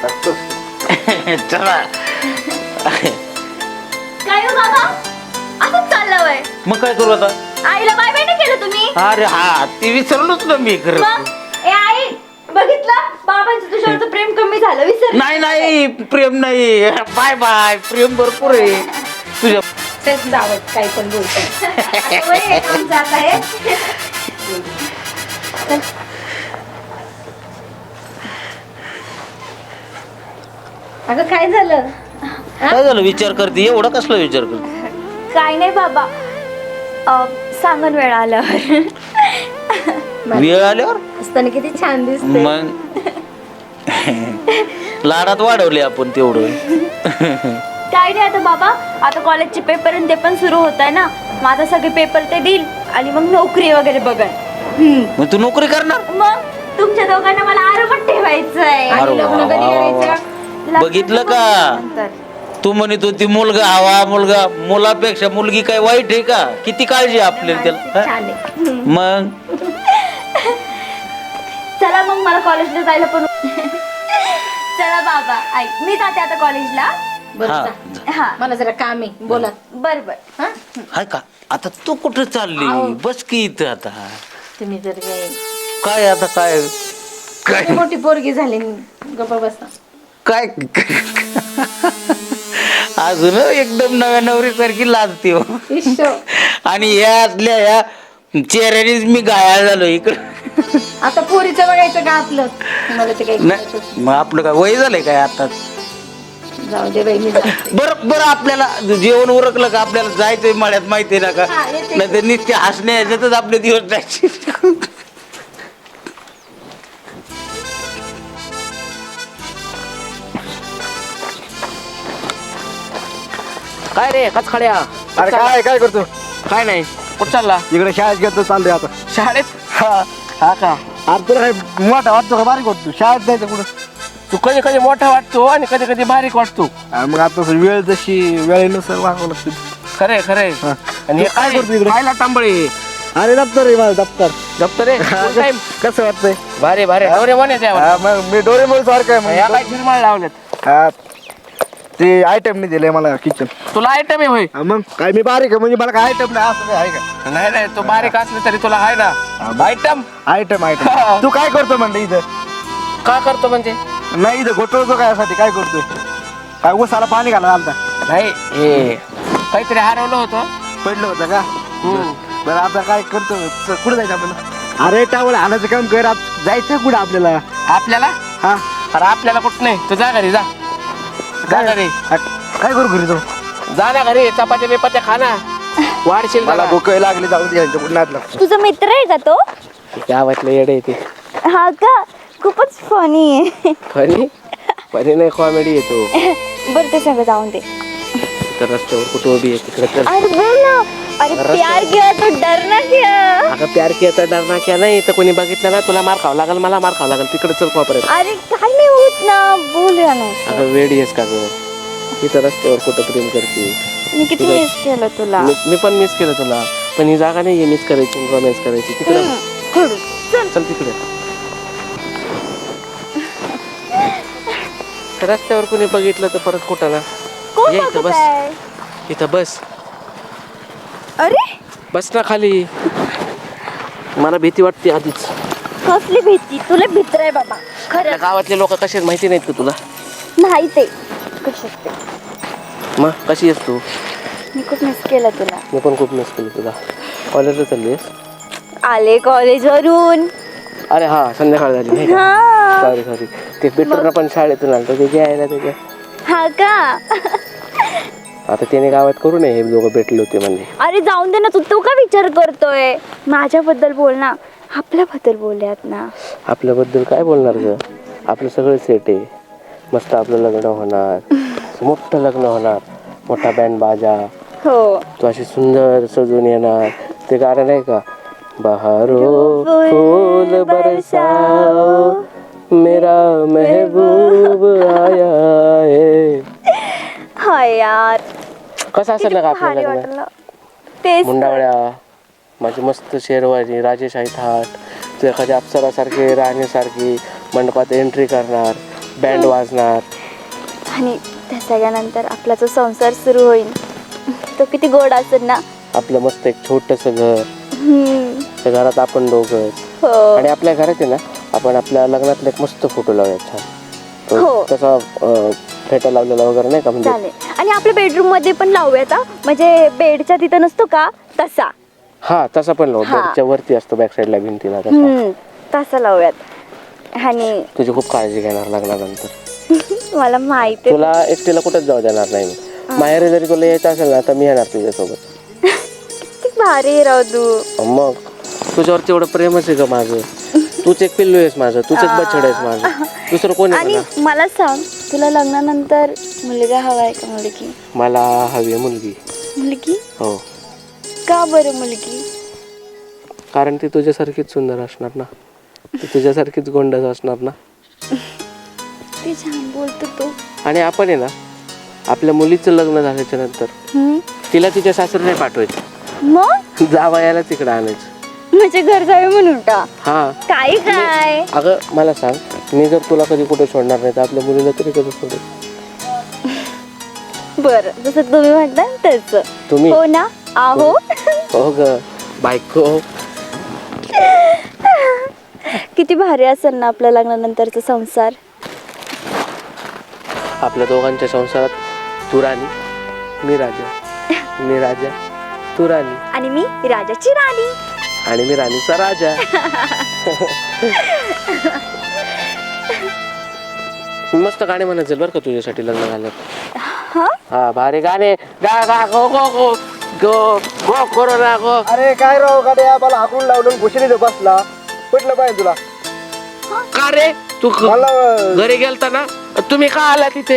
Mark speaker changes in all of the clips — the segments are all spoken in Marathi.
Speaker 1: चला
Speaker 2: काय हो बाबा असंच चाललं वय
Speaker 1: मग काय करू आता
Speaker 2: आईला बाय बाय नाही केलं तुम्ही
Speaker 1: अरे हा ते विसरलोच ना मी खरं
Speaker 2: मग ए आई बघितलं बाबांचं तुझ्यावरचं प्रेम कमी झालं विसर
Speaker 1: नाही प्रेम नाही बाय बाय प्रेम भरपूर आहे तुझ्या
Speaker 3: तेच जावत काही पण बोलतो
Speaker 2: जात आहे
Speaker 3: अगं काय झालं
Speaker 1: काय झालं विचार करते एवढा कसला विचार करते
Speaker 2: काय नाही बाबा सांगून वेळ आल्यावर
Speaker 1: वेळ आल्यावर
Speaker 3: असताना किती छान दिसते
Speaker 1: मग लाडात वाढवले आपण तेवढं
Speaker 2: काय नाही आता बाबा आता कॉलेजचे पेपर आणि ते पण सुरू होत आहे ना मग आता सगळे पेपर ते देईल आणि मग नोकरी वगैरे बघन
Speaker 1: मग तू नोकरी करणार
Speaker 2: मग तुमच्या दोघांना मला आरोपात ठेवायचंय
Speaker 1: अरे
Speaker 3: आणि लग्न
Speaker 1: वा,
Speaker 3: कधी
Speaker 1: वा, वा,
Speaker 3: करायचं?
Speaker 1: बघितलं का?
Speaker 2: नंतर.
Speaker 1: तू म्हणत होती मुलगा हवा मुलगा मुलापेक्षा मुलगी काय वाईट आहे का किती काळजी आहे आपल्याला त्याला
Speaker 3: छान आहे
Speaker 1: हा? मग
Speaker 2: चला मग मला कॉलेजला जायला पण चला बाबा आई मी जाते आता कॉलेजला
Speaker 3: बरं
Speaker 1: हा
Speaker 3: जा.
Speaker 2: हा
Speaker 3: मला जरा काम आहे बोला
Speaker 2: बर बर
Speaker 3: हा
Speaker 1: हाय का आता तू कुठं चालली
Speaker 3: आहो.
Speaker 1: बस की इथं आता
Speaker 3: तुम्ही जर काय
Speaker 1: काय आता काय काय
Speaker 3: किती मोठी पोरगी झाली गप्पा बसा
Speaker 1: काय अजून एकदम नव्या नवरीसारखी लाजते हो.
Speaker 3: ईश्व.
Speaker 1: आणि यातल्या या चेहऱ्यानेच मी घायाळ झालो इकडं
Speaker 3: आता पोरीचं बघायचं का आपलं मला ते काही
Speaker 1: नाही मग आपलं काय वय झालंय काय आता
Speaker 3: जाऊ दे बाई मी जाते.
Speaker 1: बरं बरं आपल्याला जेवण उरकलं का आपल्याला जायचंय मळ्यात माहितीये ना का
Speaker 3: हा, येते.
Speaker 1: नाही तर नुसते हसण्या ह्याच्यातच आपले दिवस जायचे
Speaker 4: काय रे कचखड्या
Speaker 5: अरे काय करतो
Speaker 4: काय नाही कुठं चालला
Speaker 5: इकडे शाळेत गेलो चाललोय आता
Speaker 4: शाळेत
Speaker 5: हा
Speaker 4: हा का
Speaker 5: अरे तुला काय मोठा वाटतो का बारीक वाटतो शाळेत जायचं कुठं
Speaker 4: तू कधी कधी मोठा वाटतो आणि कधी कधी बारीक वाटतो
Speaker 5: अरे मग आता वेळ जशी वेळेनुसार वागावं लागतं
Speaker 4: खरे खरे
Speaker 5: हा.
Speaker 4: आणि हे
Speaker 5: काय करतो इकडे?
Speaker 4: खायला टांबळे
Speaker 5: अरे दप्तर आहे माझं दप्तर
Speaker 4: दप्तर रे full time.
Speaker 5: कसं वाटतंय
Speaker 4: भारी भारी डोरे बोने
Speaker 5: हा, मग मी डोरेमोळ सारखं आहे
Speaker 4: या
Speaker 5: मग
Speaker 4: काय फिरमाळ लावलेत
Speaker 5: हा, ते आयटम नाही दिलंय मला किचन
Speaker 4: तुला आयटम आहे होय
Speaker 5: मग काय मी बारीक आहे म्हणजे मला काय आयटम नाही असं काय आहे का
Speaker 4: नाही नाही तू बारीक असले तरी तुला आहे ना आयटम
Speaker 5: आयटम आयटम तू काय करतो म्हणलं इथं
Speaker 4: का करतो म्हणजे
Speaker 5: नाही इथं घोटवतो काय यासाठी काय करतोय काय उसाला पाणी घाला आलता
Speaker 4: नाही हे काहीतरी हरवलं होतं
Speaker 5: पडलं होतं का
Speaker 4: हम्म.
Speaker 5: बरं आता काय करतो कुठं जायचं आपल्याला अरे टावळ आणायचं काम कर जायचं कुठं आपल्याला
Speaker 4: आपल्याला
Speaker 5: हा
Speaker 4: अरे आपल्याला कुठं नाही तू जा घरी जा जा घरी
Speaker 5: काय करू घरी तो
Speaker 4: जा ना घरी चपात्या बिपात्या खा ना वाढशील
Speaker 5: मला
Speaker 4: मला
Speaker 5: भूक लागली जाऊन द्यायचं कुठं नाद लागतो
Speaker 2: तुझा मित्र आहे का तो
Speaker 4: गावातलं येडे ते
Speaker 2: हा का खूपच फनी आहे
Speaker 4: फनी नाही कॉमेडी येतो
Speaker 2: बरं ते सगळं जाऊन दे
Speaker 4: तर रस्त्यावर कुठं उभी आहे तिकडे तर
Speaker 2: अरे बोल ना अरे प्यार किया तो डरना क्या
Speaker 4: अगं प्यार किया तर डरना क्या नाही तर कोणी बघितलं ना तुला मार खावं लागेल मला मार खावं लागेल तिकडे चल कॉपरेट
Speaker 2: अरे काय नाही होत ना बोलूया ना
Speaker 4: अगं वेडी आहेस का गं इथं रस्त्यावर कुठं प्रेम करते
Speaker 2: मी किती मिस केलं तुला
Speaker 4: मी पण मिस केलं तुला पण ही जागा नाही मिस करायची रोमॅन्स करायची तिकडे
Speaker 2: खडू चल
Speaker 4: चल तिकडे रस्त्यावर कोणी बघितलं तर परत कुठं ना
Speaker 2: कोण
Speaker 4: ये इथं
Speaker 2: बघत
Speaker 4: बस
Speaker 2: आहे?
Speaker 4: इथं बस
Speaker 2: अरे
Speaker 4: बस ना खाली मला भीती वाटते आधीच
Speaker 2: कसली भीती तुला भीतर आहे बाबा
Speaker 4: आपल्या
Speaker 2: खरं
Speaker 4: गावातले लोक कसे आहेत माहिती नाहीत का तुला
Speaker 2: नाही ते कशात ते
Speaker 4: मग कशी आहेस तू
Speaker 2: मी खूप मिस केलं तुला
Speaker 4: मी पण खूप मिस केली तुला कॉलेजला चालली आहेस
Speaker 2: आले कॉलेज वरून
Speaker 4: अरे हा संध्याकाळ झाली नाही का
Speaker 2: हा
Speaker 4: सॉरी ते पेटरला पण शाळेतून आलं त्याचे यायला त्याच्या
Speaker 2: हा का
Speaker 4: आता त्याने गावात करू नये हे दोघं भेटले होते म्हणजे
Speaker 2: अरे जाऊन दे ना तू का विचार करतोय माझ्याबद्दल बोल ना आपल्याबद्दल बोलूयात ना
Speaker 4: आपल्याबद्दल काय बोलणार ग आपलं सगळं सेट आहे मस्त आपलं लग्न होणार मोठं लग्न होणार मोठा बँड बाजा
Speaker 2: हो
Speaker 4: तू अशी सुंदर सजून येणार ते गाणं नाही का बहारो फूल बरसाओ मेरा महबूब आया है
Speaker 2: हाय यार
Speaker 4: कसं असेल ना का आपलं
Speaker 2: भारी
Speaker 4: लग्न
Speaker 2: वाटलं तेच तर.
Speaker 4: मुंडावळ्या माझी मस्त शेरवानी राजेशाही थाट तू एखाद्या अप्सरासारखी राणीसारखी मंडपात एंट्री करणार बँड वाजणार.
Speaker 2: आणि त्या सगळ्यानंतर आपला जो संसार सुरू होईल तो किती गोड असेल ना.
Speaker 4: आपलं मस्त एक छोटंसं घर,
Speaker 2: हम्म.
Speaker 4: त्या घरात आपण दोघंच.
Speaker 2: हो
Speaker 4: आणि आपल्या घरात आहे ना आपण आपल्या लग्नातला एक मस्त फोटो लावूया छान.
Speaker 2: हो.
Speaker 4: तसा फेटा लावलेला वगैरे नाही का म्हणजे.
Speaker 2: चालेल. आणि आपल्या बेडरूम मध्ये पण लावूयात हा. म्हणजे बेडच्या तिथं नसतो का तसा.
Speaker 4: हा तसा पण लावू.
Speaker 2: हा.
Speaker 4: बेडच्या वरती असतो बॅक साईडला भिंतीला तसा.
Speaker 2: तसा लावूयात. आणि
Speaker 4: तुझी खूप काळजी घेणार लग्नानंतर.
Speaker 2: मला माहिती आहे.
Speaker 4: तुला एकटीला कुठेच जाऊ देणार नाही मी. माहेर जरी तुला यायचं असेल ना तर मी येणार तुझ्यासोबत.
Speaker 2: किती भारी आहे राव तू.
Speaker 4: मग तुझ्यावरती एवढं प्रेमच आहे का माझं. तूच एक पिल्लू आहेस माझं, तूच एक बछड आहेस माझं, दुसरं कोण आहे
Speaker 2: आणि
Speaker 4: मला?
Speaker 2: मला सांग तुला लग्नानंतर मुलगा हवा आहे का मुलगी?
Speaker 4: मला हवी आहे मुलगी.
Speaker 2: मुलगी?
Speaker 4: हो.
Speaker 2: का बरं मुलगी?
Speaker 4: कारण ती तुझ्यासारखीच सुंदर असणार ना, ती तुझ्यासारखीच गोंडस असणार ना.
Speaker 2: ते छान बोलतो तू.
Speaker 4: आणि आपण आहे ना आपल्या मुलीचं लग्न झाल्याच्या नंतर तिला तिच्या सासरी नाही पाठवायचं,
Speaker 2: मग
Speaker 4: जावयाला तिकडे आणायचं.
Speaker 2: म्हणजे घर जावे म्हणून का?
Speaker 4: हा.
Speaker 2: काय काय?
Speaker 4: अगं मला सांग, मी जर तुला कधी कुठे सोडणार नाही तर आपल्या मुलीला तरी कधी सोडेल?
Speaker 2: बरं जसं तुम्ही म्हणता तसं.
Speaker 4: तुम्ही?
Speaker 2: हो ना. आहो.
Speaker 4: हो ग बायको.
Speaker 2: किती भारी असेल ना आपल्या लग्नानंतरचा संसार.
Speaker 4: आपल्या दोघांच्या संसारात तू राणी, मी राजा. मी राजा, तू राणी.
Speaker 2: आणि मी राजाची राणी.
Speaker 4: आणि मी राणीचा राजा. मस्त गाणे म्हणायचे बरं का तुझ्यासाठी लग्न झालं. हा भारी गाणे गा गा गो गो गो गो गो करो ना गो.
Speaker 5: अरे काय राव गाड्या मला हाकून लावलं घुसली बसला कुठलं पाहिजे तुला?
Speaker 4: का रे तू
Speaker 5: मला
Speaker 4: घरी गेलता ना, तुम्ही का आला तिथे?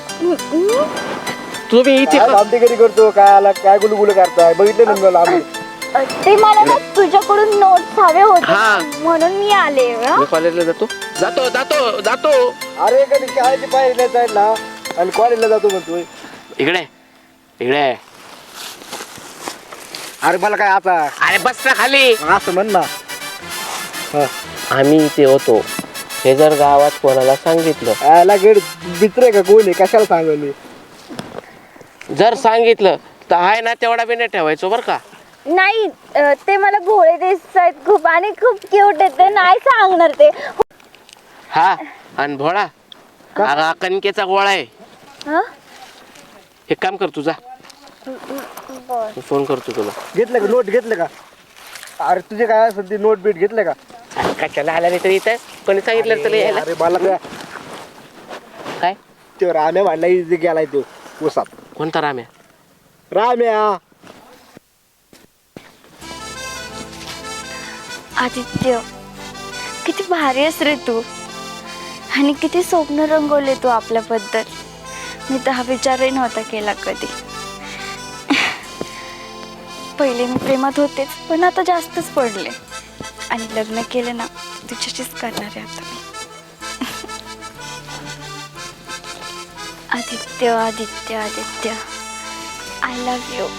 Speaker 4: तुम्ही इथे
Speaker 5: काय आमटी घरी करतो काय आला काय गुलगुल करताय बघितलं ना मला आम्ही.
Speaker 2: ते मला ना तुझ्याकडून नोट्स हवे होते
Speaker 4: हा.
Speaker 2: म्हणून मी आले.
Speaker 4: मी कॉलेजला जातो जातो जातो जातो.
Speaker 5: अरे कधी शाळेची पायरीला जायला आणि कॉलेजला जातो म्हणतोय.
Speaker 4: इकडे इकडे.
Speaker 5: अरे मला काय आता
Speaker 4: अरे बस ना खाली.
Speaker 5: असं म्हण ना.
Speaker 4: आम्ही इथे होतो हे जर गावात कोणाला सांगितलं,
Speaker 5: याला गड मित्र का कोण आहे कशाला सांगली?
Speaker 4: जर सांगितलं तर आहे ना तेवढा बी नाही ठेवायचो बरं का.
Speaker 2: नाही ते मला भोळे दिसत आहेत खूप आणि खूप क्यूट आहेत. ते नाही सांगणार ते.
Speaker 4: हा आणि भोळा अगं कणकेचा गोळा आहे.
Speaker 2: हं?
Speaker 4: एक काम कर तुझा फोन करतो तुला.
Speaker 5: घेतलं का नोट घेतलं का? अरे तुझे काय असेल ती नोट बीट घेतलं का?
Speaker 4: कशाला आला नाही तर इथं कोणी सांगितलं तुला यायला?
Speaker 5: अरे मला काय
Speaker 4: काय
Speaker 5: तो राम्या भांडला इथे गेलाय तो उसात.
Speaker 4: कोणता राम्या?
Speaker 5: राम्या
Speaker 2: आदित्य किती भारी आहेस रे तू. आणि किती स्वप्न रंगवले तू आपल्याबद्दल. मी तर हा विचारही नव्हता केला कधी. पहिले मी प्रेमात होतेच पण आता जास्तच पडले. आणि लग्न केलं ना तुझ्याशीच करणार आहे आता मी. Aditya Aditya Aditya I love you.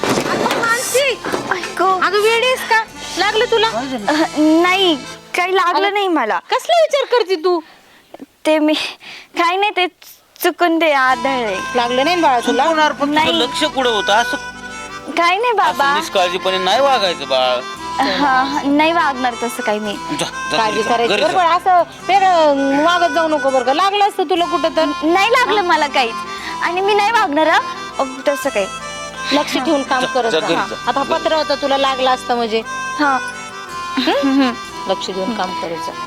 Speaker 3: अगं वेळीस का लागलं तुला?
Speaker 2: नाही काही लागलं नाही मला.
Speaker 3: कसला विचार करते तू?
Speaker 2: ते मी काही नाही ते चुकून ते आदळले.
Speaker 3: लागलं नाही बाळा तुला?
Speaker 1: होणार पण तुझं
Speaker 2: नाही.
Speaker 1: लक्ष कुठं होतं असं?
Speaker 2: काही नाही बाबा.
Speaker 1: निष्काळजीपणे नाही वागायचं बाळ.
Speaker 2: हा नाही वागणार तसं काही मी.
Speaker 1: जा, जा
Speaker 3: काळजी
Speaker 1: घरी जा,
Speaker 3: करायची
Speaker 1: घरी
Speaker 3: बरोबर.
Speaker 1: जा.
Speaker 3: असं वेगळं वागत जाऊ नको बरं का. लागलं असतं तुला कुठं तर.
Speaker 2: नाही लागलं मला काहीच. आणि मी नाही वागणार तसं काही.
Speaker 3: लक्ष ठेवून काम करत
Speaker 1: जा,
Speaker 3: जा.
Speaker 1: घरी
Speaker 3: हा.
Speaker 1: जा,
Speaker 3: आता
Speaker 1: घरी.
Speaker 3: पत्र होतं तुला लागलं असतं म्हणजे
Speaker 2: हा
Speaker 3: लक्ष देऊन काम करत जा.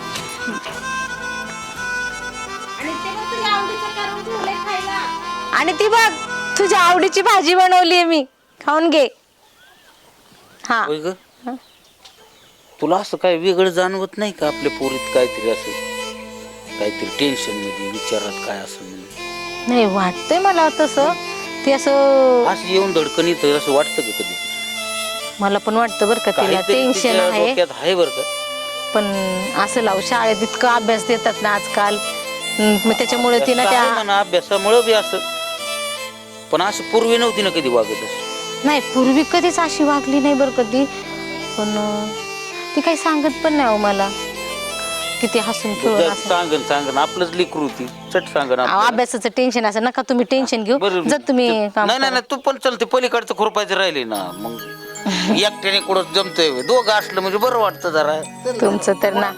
Speaker 3: आणि ती बघ तुझ्या आवडीची भाजी बनवली मी, खाऊन घे. हा
Speaker 1: होय ग? तुला असं काय वेगळं जाणवत नाही का आपल्या पोरीत काहीतरी असं काहीतरी टेन्शन मध्ये विचारात काय असं म्हणजे?
Speaker 3: नाही वाटतंय मला तसं. ते असं
Speaker 1: असं येऊन धडकन येतं असं वाटतं का कधी?
Speaker 3: मला पण वाटतं बरं का तिला
Speaker 1: काहीतरी
Speaker 3: टेन्शन
Speaker 1: तिच्या
Speaker 3: आहे.
Speaker 1: डोक्यात आहे बरं का.
Speaker 3: पण असं लाव शाळेत इतकं अभ्यास देतात ना आजकाल. मग त्याच्यामुळे तिनं
Speaker 1: असं
Speaker 3: त्या
Speaker 1: आहे म्हणा अभ्यासामुळं बी असं. पण असं पूर्वी नव्हती ना कधी वागत असं.
Speaker 3: नाही पूर्वी कधीच अशी वागली नाही बरं कधी. पण ती काही सांगत पण नाही हो मला. किती हसून खेळून असं.
Speaker 1: सांगन आपलंच लेकरू होती चट सांगन
Speaker 3: अहो, अभ्यासाचं टेन्शन असं नका तुम्ही टेन्शन घेऊ. जर तुम्ही काम
Speaker 1: नाही
Speaker 3: करा.
Speaker 1: नाही तू पण चलते पलीकडचं खुरपायचं राहिले ना मग एकट्याने कुठं जमतंय दोघं असलं म्हणजे बरं वाटतं जरा
Speaker 3: तुमचं तर ना.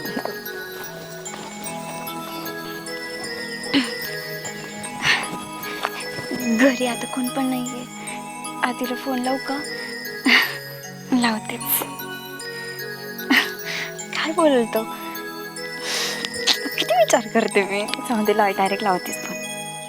Speaker 2: घरी आता कोण पण नाहीये. आधीला फोन लावू का? लावतेच. काय बोलतो किती विचार करते मी. समजे डायरेक्ट लावतेच फोन.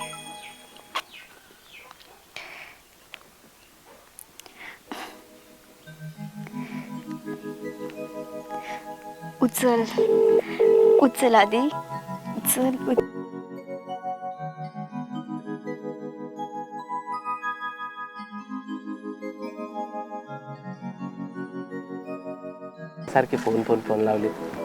Speaker 2: उचल उचल आधी उचल.
Speaker 4: सारखे फोन फोन फोन लावले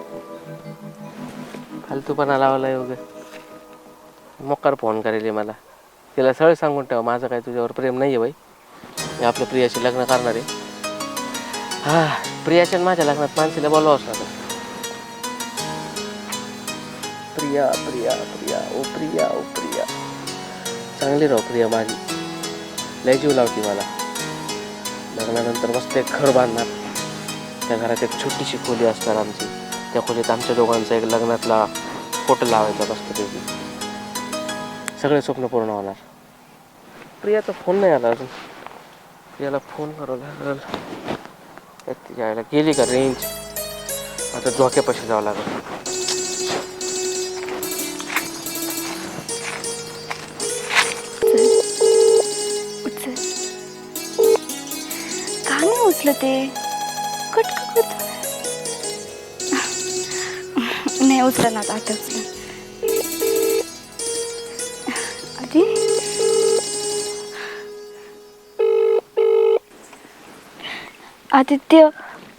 Speaker 4: फालतूपणा लावला वगैरे. मोकार फोन करेल मला. तिला सरळ सांगून ठेवा माझं काय तुझ्यावर प्रेम नाही आहे बाई. मी आपल्या प्रियाशी लग्न करणार आहे. हा प्रियाच्या माझ्या लग्नात माणसीला बोलवावंच लागेल. प्रिया प्रिया प्रिया ओ प्रिया ओ प्रिया. चांगली राव प्रिया माझी. लय जीव लावती मला. लग्नानंतर मस्त एक घर बांधणार. त्या घरात एक छोटीशी खोली असणार आमची. त्या खोलीत आमच्या दोघांचा एक लग्नातला फोटो लावायचा मस्तपैकी. सगळे स्वप्न पूर्ण होणार. प्रियाचा फोन नाही आला अजून. प्रियाला फोन करावं लागेल. तिच्या आईला गेली का रेंज. आता झोक्यापाशी जावं लागेल.
Speaker 2: उचल. का नाही उचल ते. कट का करतो. नाही उचला ना आता उचल आधी. आदित्य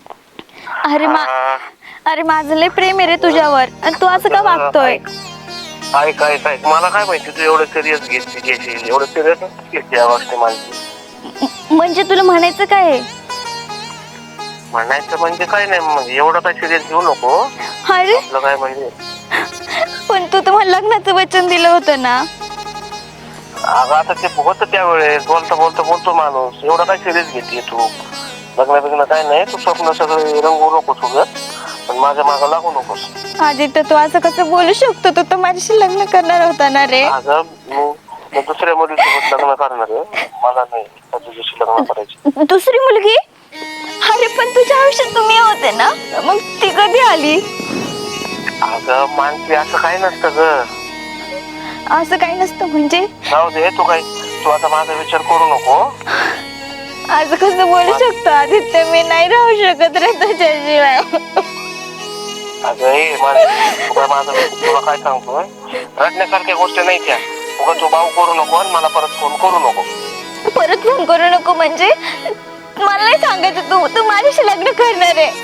Speaker 2: अरे माझं लय प्रेम आहे रे तुझ्यावर आणि तू असं का वागतोय.
Speaker 5: काय मला काय माहिती तू एवढं सिरियस घेशील. एवढं सिरियस घेते या गोष्टी माझी.
Speaker 2: म्हणजे तुला म्हणायचं काय आहे.
Speaker 5: म्हणायचं म्हणजे काय नाही म्हणजे एवढं काय सिरियस घेऊ नको.
Speaker 2: अरे
Speaker 5: आपलं काय म्हणजे
Speaker 2: पण तू तुम्हाला लग्नाचं वचन दिलं होतं ना.
Speaker 5: अगं आता ते होतं त्यावेळेस बोलतो माणूस. एवढं काय सिरियस घेते तू. लग्न काय नाही. तू स्वप्न सगळे रंगू नकोस उगत. पण माझ्या मागं लागू नकोस.
Speaker 2: आदित्य तू असं कसं बोलू शकतो. तू तर माझ्याशी लग्न करणार होता ना रे.
Speaker 5: अगं मी दुसऱ्या मुलीसोबत लग्न करणार आहे. मला नाही तुझ्याशी लग्न करायचे.
Speaker 2: दुसरी मुलगी. अरे पण तुझ्या आयुष्यात तुम्ही होते ना मग ती कधी आली.
Speaker 5: अगं मानसी असं काही नसतं ग.
Speaker 2: असं काही नसतं म्हणजे.
Speaker 5: जाऊ दे तू आता माझा विचार करू नको.
Speaker 2: असं कसं बोलू शकतो आदित्य. मी नाही राहू शकत रे तुझ्याशिवाय.
Speaker 5: अगं हे मानसी तुला काय सांगतोय. रडण्यासारख्या गोष्टी नाही त्या. उगा तू भाऊ करू नको आणि मला परत फोन करू नको.
Speaker 2: परत फोन करू नको म्हणजे. मला नाही सांगायचं तू माझ्याशी लग्न करणार आहे.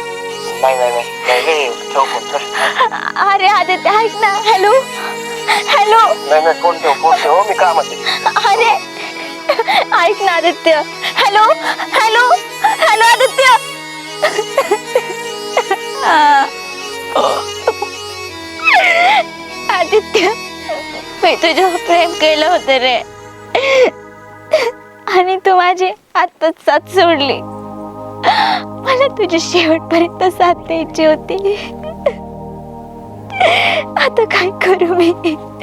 Speaker 5: नाही ठेव फोन.
Speaker 2: अरे आदित्य ऐक ना. हॅलो
Speaker 5: नाही फोन ठेव मी कामात आहे.
Speaker 2: अरे ऐक ना आदित्य. हॅलो आदित्य. आदित्य मी तुझ्यावर प्रेम केलं होतं रे आणि तू माझी आत्ताच साथ सोडली. मला तुझी शेवटपर्यंत साथ द्यायची होती. आता काय करू मी.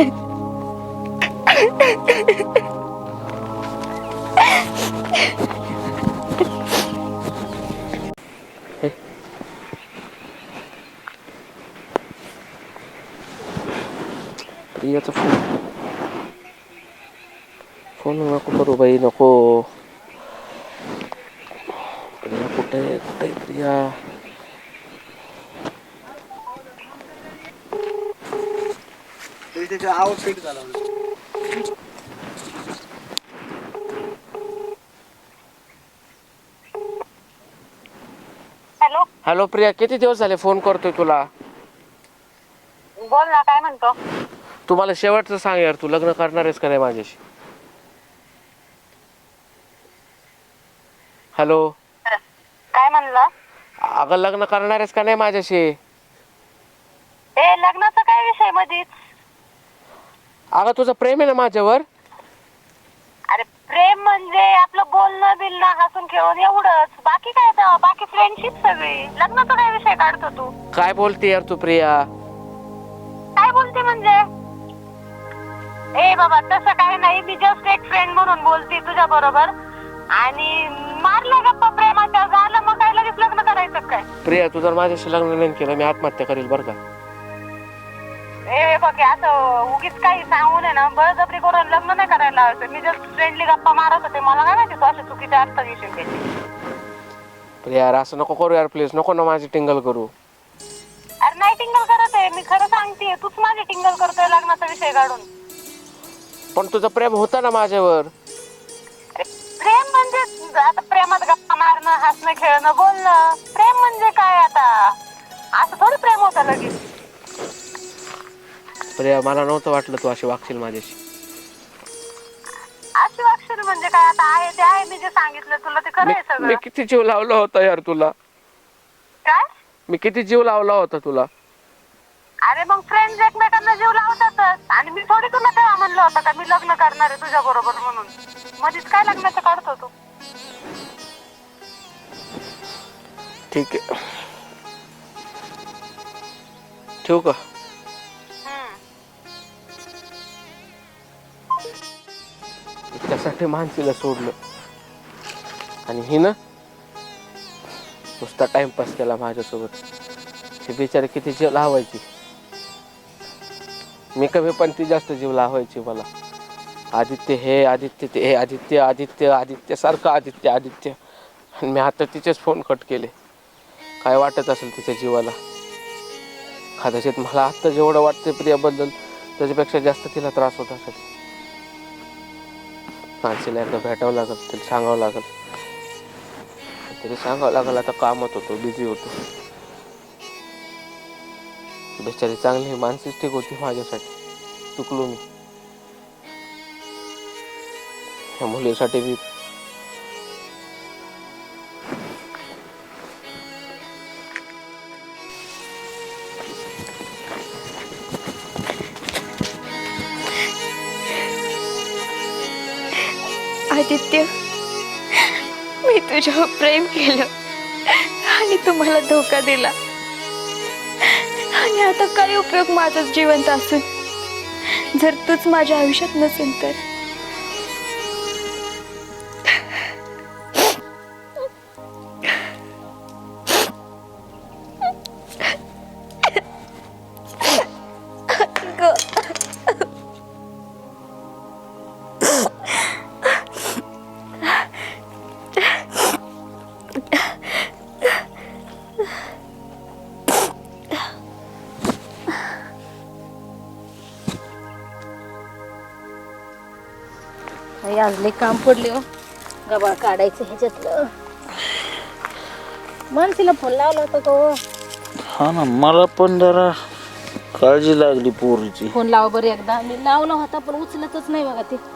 Speaker 4: प्रियाचा फोन नको करू बाई नको. प्रिया कुठे प्रिया. हॅलो प्रिया किती दिवस झाले फोन करतोय तुला.
Speaker 3: बोल ना काय म्हणतो.
Speaker 4: तू मला शेवटचं सांग यार. तू लग्न करणार आहेस का नाही माझ्याशी. हॅलो
Speaker 3: काय म्हणला.
Speaker 4: अगं लग्न करणार आहेस का नाही माझ्याशी.
Speaker 5: ए लग्नाचा काय विषय मधीच?
Speaker 4: अगं तुझं प्रेम आहे ना माझ्यावर?
Speaker 5: अरे प्रेम म्हणजे आपलं बोलणं बिलणं हसून खेळून एवढंच, बाकी काय तर, बाकी फ्रेंडशिप सगळी. लग्नाचा काय विषय काढतो तू?
Speaker 4: काय बोलते यार तू प्रिया?
Speaker 5: काय बोलते म्हणजे? ए बाबा तसं काही नाही, मी जस्ट एक फ्रेंड म्हणून बोलते तुझ्या बरोबर. आणि मारलं गप्पा प्रेमाच्या, झालं मग काय लगेच लग्न करायचं काय?
Speaker 4: प्रिया तू जर माझ्याशी लग्न नाही केलं मी आत्महत्या करेल बरं का.
Speaker 5: ए बघ असं उगीच काही सांगू नये ना, बळजबरी करून लग्न नाही करायला लावायचं. मी जस्ट फ्रेंडली गप्पा मारत होते, मला काय माहिती तू अशा चुकीच्या अर्थ घेशील त्याची.
Speaker 4: प्रिया यार असं नको करू यार प्लीज, नको ना माझी टिंगल करू.
Speaker 5: अरे नाही टिंगल करत आहे मी, खरं सांगते. तूच माझी टिंगल करतोय लग्नाचा विषय काढून.
Speaker 4: पण तुझं प्रेम होतं ना माझ्यावर.
Speaker 5: प्रेम म्हणजे आता प्रेमात गप्पा मारणं, हसणं, खेळणं, बोलणं. प्रेम म्हणजे काय आता? असं थोडी प्रेम होतं लगेच.
Speaker 4: प्रिया मला नव्हतं वाटलं तू अशी वागशील माझ्याशी.
Speaker 5: अशी वागशील म्हणजे काय? आता आहे ते आहे, मी जे सांगितलं तुला ते खरं आहे
Speaker 4: मी
Speaker 5: सगळं.
Speaker 4: किती जीव लावला होता यार तुला.
Speaker 5: काय?
Speaker 4: मी किती जीव लावला होता तुला.
Speaker 5: अरे मग फ्रेंड्स एकमेकांना जीव लावतातच. आणि मी थोडी तुला तेव्हा म्हणलं होतं का मी लग्न करणार आहे तुझ्या बरोबर म्हणून? मध्येच काय लग्नाचं काढतो तू?
Speaker 4: ठीक आहे ठेवू का? त्यासाठी मानसीला सोडलं आणि ही ना नुसता टाइमपास केला माझ्यासोबत. ही बिचारी किती जीव लावायची, मी कमी पण ती जास्त जीव लावायची मला. आदित्य हे, आदित्य ते, आदित्य आदित्य आदित्य सारखं आदित्य आदित्य. आणि मी आता तिचेच फोन कट केले. काय वाटत असेल तिच्या जीवाला. कदाचित मला आत्ता जेवढं वाटतं प्रियाबद्दल त्याच्यापेक्षा जास्त तिला त्रास होत असेल. माणसीला एकदा भेटावं लागेल, तिला सांगावं लागेल. तरी सांगावं लागेल आता कामात होतो, बिझी होतो. बिचारी चांगली मानसीच ठीक होती माझ्यासाठी. चुकलो मी. ह्या मुलीसाठी मी
Speaker 2: आदित्य, मी तुझ्यावर प्रेम केलं आणि तू मला धोका दिला. आणि आता काय उपयोग माझा जिवंत असून जर तूच माझ्या आयुष्यात नसेल तर?
Speaker 3: आज लय काम पडले हो, गबाळ काढायचं ह्याच्यातलं. मानसीला फोन लावला होता का हो?
Speaker 1: हा ना, मला पण जरा काळजी लागली पोरीची.
Speaker 3: फोन लावा बरं एकदा. मी लावला होता पण उचलतच नाही बघा ते.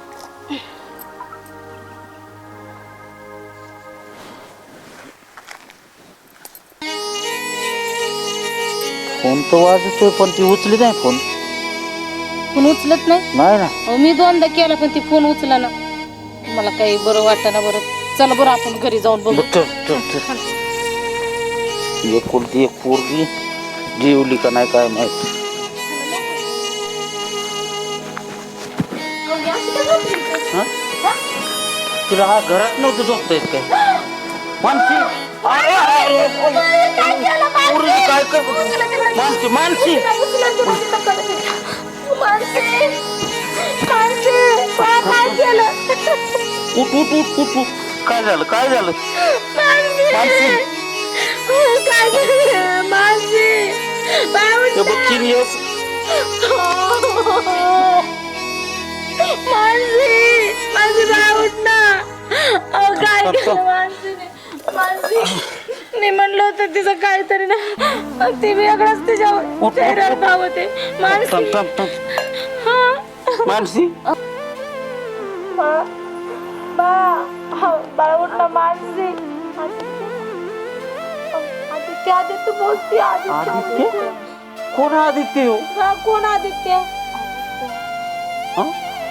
Speaker 1: फोन तर वाजतोय पण ती उचली नाही फोन.
Speaker 3: फोन उचलत नाही?
Speaker 1: नाही ना.
Speaker 3: अहो, मी दोनदा केला पण ती फोन उचला ना. मला काही बरं वाटतं ना. बरं चला बरं आपण घरी जाऊन बघू.
Speaker 1: एकुलती एक पोरगी जेवली का नाही काय माहिती. तुला हा घरात नव्हतं झोपता येत काय? मानसी अरे अरे पोरगी काय कर मानसी मानसी उठ उठ उठ उठ उठ. काय झालं काय झालं मानसी? ते बघ चिनियस
Speaker 3: मी म्हणलं होतं तिचं काहीतरी ना, ती वेगळंच तिच्यावर चेहऱ्यावर भाव होते.
Speaker 1: मानसी
Speaker 3: बाळा उठला. मानसी आदित्य आदित्य बोलते. आदित्य
Speaker 1: कोण आदित्य हो?
Speaker 3: कोण आदित्य?
Speaker 1: हं?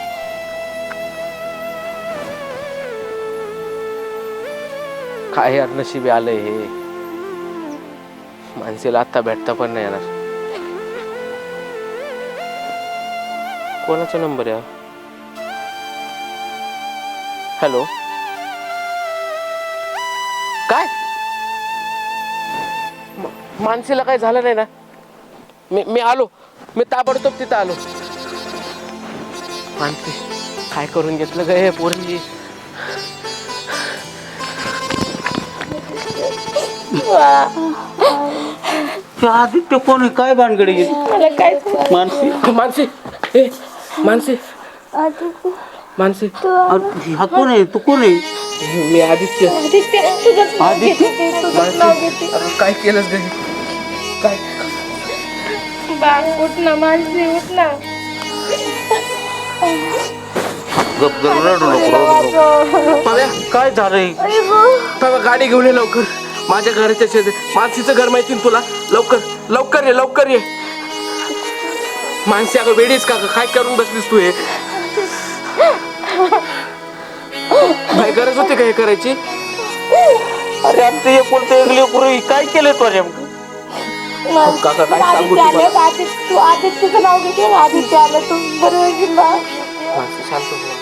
Speaker 4: काय यार नशिबी आलंय हे. माणसेला आत्ता भेटता पण नाही येणार. कोणाचा नंबर आहे? हॅलो, काय माणसेला काय झालं नाही ना? मी आलो, मी ताबडतोब तिथं आलो. माणसे काय करून घेतलं ग हे पोरी?
Speaker 1: आदित्य कोण आहे? काय भानगडी गेली? मानसी
Speaker 4: माणसे, ए माणसे, माणसे,
Speaker 1: हा कोण आहे? तू कोण आहे?
Speaker 4: मी आदित्य.
Speaker 1: आदित्य
Speaker 4: माणसे, अरे काय केलंस ग? काय
Speaker 3: उठ ना मानसी, उठ ना.
Speaker 1: गप गप रडू नको.
Speaker 4: पाव्या,
Speaker 1: काय झालंय?
Speaker 4: पाव्या गाडी घेऊन ये लवकर. माझ्या घराच्या शेजारी मानसीचं घर माहिती ना तुला? लवकर लवकर ये, लवकर ये. मानसी अगं वेडीच का ग? काय करून बसलीस तू हे? काय गरज होती का हे करायची?
Speaker 1: अरे आमचं हे कोणतं एक लेकरू काय केलंय तो नेमकं?
Speaker 4: काका काय सांगू तुम्हाला?
Speaker 3: तू आदित्यचं नाव घेते, आदित्य आलं तू बरोबर.
Speaker 4: मानसी शांत हो.